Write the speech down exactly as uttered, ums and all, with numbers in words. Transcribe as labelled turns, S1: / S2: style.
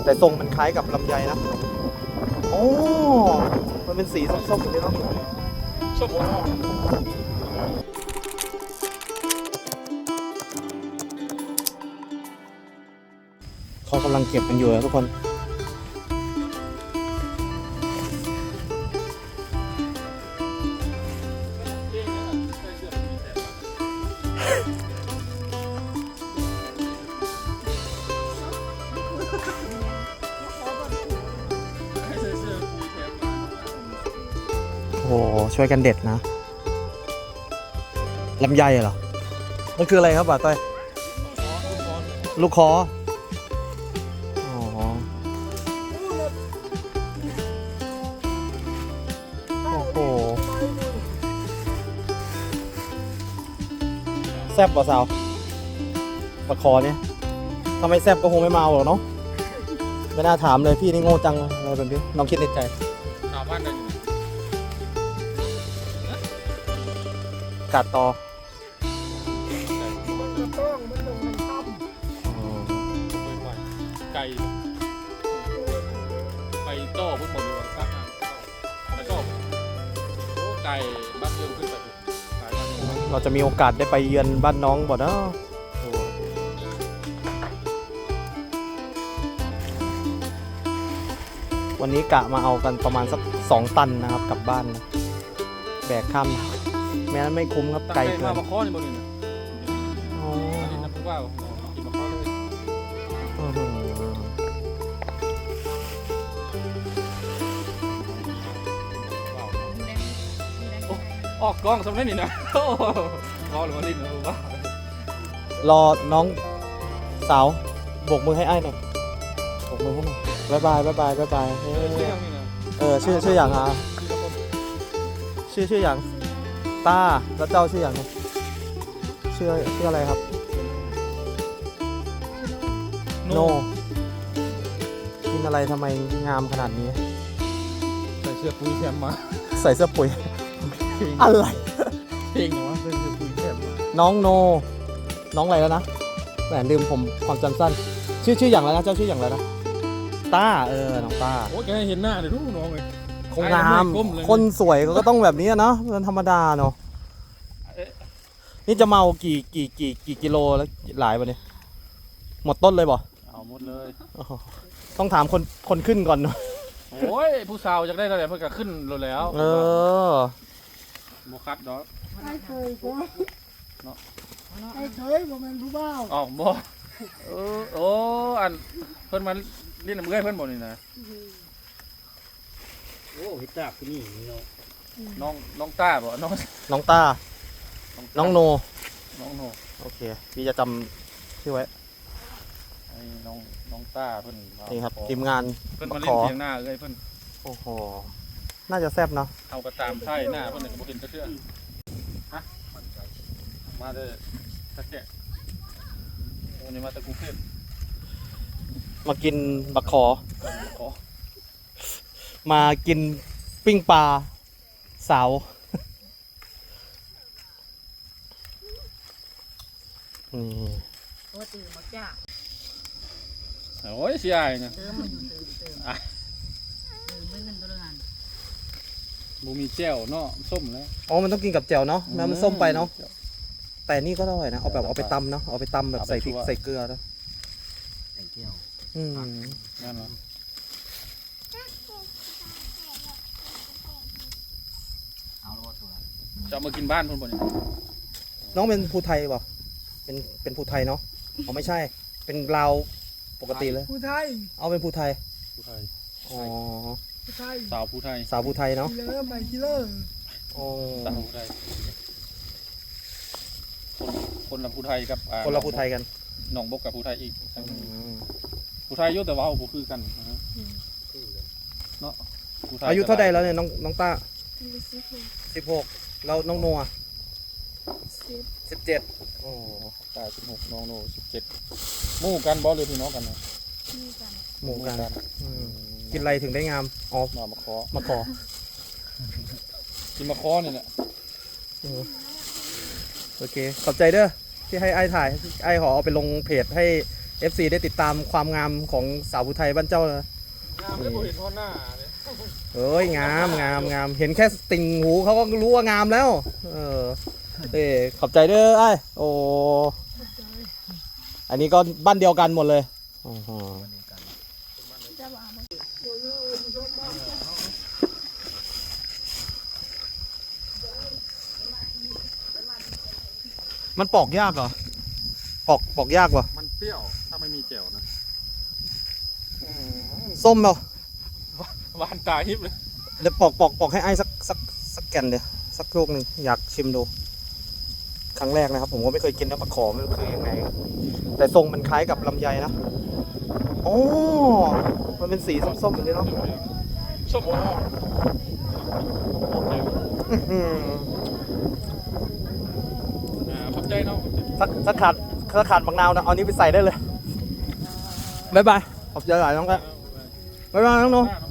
S1: แต่ทรงมันคล้ายกับลำไยนะโอ้มันเป็นสีส้มๆอย่างนี้เนาะส้มเขากำลังเก็บกันอยู่นะทุกคนโอ้โหช่วยกันเด็ดนะลำไยเหรอมันคืออะไรครับบ่าวต้อยลูกคออ๋อโอ้โหแซ่บกว่าสาวปลาคอเนี่ยทำไมแซ่บก็คงไม่เมาหรอกเนาะไม่น่าถามเลยพี่นี่โง่จังอะไรแบบนี้น้องคิดในใจชาวบ้านไหนกัดต่อ
S2: ไก่ไปโต้พุ่งหมดเลยครับไปโต้โอ้ไก่บ้านเดิมขึ้นไป
S1: เราจะมีโอกาสได้ไปเยือนบ้านน้องบ่เนาะวันนี้กะมาเอากันประมาณสักสองตันนะครับกลับบ้านนะแบกข้ามแม้นั้นไม่คุ้มครับไกลเกิน
S2: มาข้อนี่บนนี้นะอ๋อนี่นะพวกว่ากินมาข้อเลยออกกล้องสำเร็จนี่นะโอ้ข้อหรือว่าลิ้นนะว่
S1: ารอน้องสาวโบกมือให้ไอ้หน่อยโบกมือให้หน่อยบายบายบายบายบายบายเออชื่อชื่ออย่างอ่ะชื่อชื่ออย่างตาแล้วเจ้าชื่ออย่างไงชื่อชื่ออะไรครับโนกินอะไรทำไมงามขนาดนี้
S2: ใส่เสื้อปุ้ยแซมมา
S1: ใส่เสื้อปุ๋ยอะไร
S2: เพลงเหรอวะใส่เสื้อปุ้ยแซมมา
S1: น้องโนน้องอะไรแล้วนะแหมลืมผมความจำสั้นชื่อชื่ออย่างไรนะเจ้าชื่ออย่างไรนะต้าเออน้องต้า
S2: โอ้แกเห็นหน้าเลยทุกน้องเลย
S1: คงงามคนสวยก็ต้องแบบนี้เนาะมันธรรมดาเนาะนี่จะเมากี่กี่กี่กี่กิโลแล้วหลายวันนี้หมดต้นเลยบ่
S2: เอาหมดเลย
S1: ต้องถามคนคนขึ้นก่อนเนาะ
S2: โอ้ยผู้สาวจะได้เท่าไหร่เพื่อจะขึ้นรถแล้ว
S1: เออ
S2: โมคัดดอก
S3: ไม่เคยเนาะไม่เคยบ่แม่นผู้บ่าว
S2: อ๋อบ่เออโอ้อันเพิ่นมาเล่นน้ำเมื่อยเพิ่นบ่นี่นะ
S4: โอ้ฮิตาคือนี่น้อง
S2: น้องน้องต้าบ่น้อง
S1: น้องต้าน้องโน
S2: น้องโน
S1: โอเคพี่จะจำชื่อไว้
S2: ไอ้น้องน้องต้าเพิ่น
S1: นี่ครับทีมงาน
S2: เพิ่นมาเล่นเพียงหน้าเอ้ยเพิ่น
S1: โอ้โหน่าจะแซ่บเนาะ
S2: เอากระตามไส้หน้าเพิ่นก็บ่เห็นจะเชื่อฮะมาเด้อตะแกะวันนี้มาตะกรุงเทพ
S1: มากินบักขอมากินปิ้งปลาสาวนี่
S3: โอ้ตื่นมาจ้า
S2: โอ้ยเสียไอ้เนี่ย
S3: เติมมาอยู่เติมเติมอ่ะเติมไม่เงินตัวละงาน
S2: บูมีแจ่วเนาะส้มแล้ว
S1: อ๋อมันต้องกินกับแจ่วเนาะแม้มันส้มไปเนาะแต่นี่ก็อร่อยนะเอาแบบเอาไปตำเนาะเอาไปตำแบบใส่พริกใส่เกลือนะ
S4: ใส่เที่ยว
S1: อืม
S2: นั่นเหรอ
S4: เอาแล้วตัว
S2: จะมากินบ้านเพิ่นบ่เนี่ย
S1: น้องเป็นภูไทยป่ะเป็นเป็นภูไทยเนาะอ๋อไม่ใช่เป็นลาวปกติเลย
S3: ผู้ไทย
S1: เอาเป็นภูไทย
S2: ภูไทย
S1: อ๋อ
S3: ผู้ไทย
S2: สาวภูไทย
S1: สาวภูไทยเนาะ
S3: กิเลอร์ไม่กิเลอร์
S1: อ๋อ
S2: สาวภูไทยคนคนละภูไทยกับ
S1: คนละภูไทยกัน
S2: หนองบกกับภูไทยอีกภูไทยยุ่แต่ว่าเอาภูคือกันเนาะ
S1: อายุเท่าใดแล้วเนี่ยน้องน้องต้าสิบหกเราน้องโนอ่ะสิบเจ็ดโอ้
S2: ตาสิบหกน้องโนสิบเจ็ดหมู่กันบอสเลยพี่น้องกันนะ
S1: หมู่กันกินอะไรถึงได้งามอ๋อ
S2: มามาคอ
S1: มาคอ
S2: กินมาคอเนี่ยแหละ
S1: โอเคขอบใจเด้อที่ให้ไอ้ถ่ายไอ้ขอเอาไปลงเพจให้เอฟซีได้ติดตามความงามของสาวผู้ไทยบ้านเจ้านะ
S2: งามได้บ่เห็นท่อนหน้าเลย
S1: เอ้ยงามงามงามเห็นแค่ติ่งหูเขาก็รู้ว่างามแล้ว เออเอ้ขอบใจเด้อไอ้โอ้อันนี้ก็บ้านเดียวกันหมดเลยอ๋อมันปอกยากเหรอปอกปอกยากวะ
S2: มันเปรี้ยวถ้าไม่มีแจ่วนะ
S1: ส้มเปล่า
S2: หวานตาฮิบเลย
S1: เดี๋ยวปอกปอกปอกให้ไอ้สักสักสักแก่นเดียวสักลูกหนึ่งอยากชิมดู ครั้งแรกนะครับ ผมก็ไม่เคยกินน้ำปลาขอไม่รู้คือยังไง แต่ทรงมันคล้ายกับลำไยนะโอ้มันเป็นสีส้มๆแบบนี้เนาะ
S2: ส้มโอเค
S1: อื้อหือ
S2: อ่าขอบใจเนาะ
S1: สักสักขาดสักขาดบางนาวนะเอานี้ไปใส่ได้เลยบ๊ายบายขอบใจหลายน้องครับบ๊ายบายน้องโน
S2: เนาะ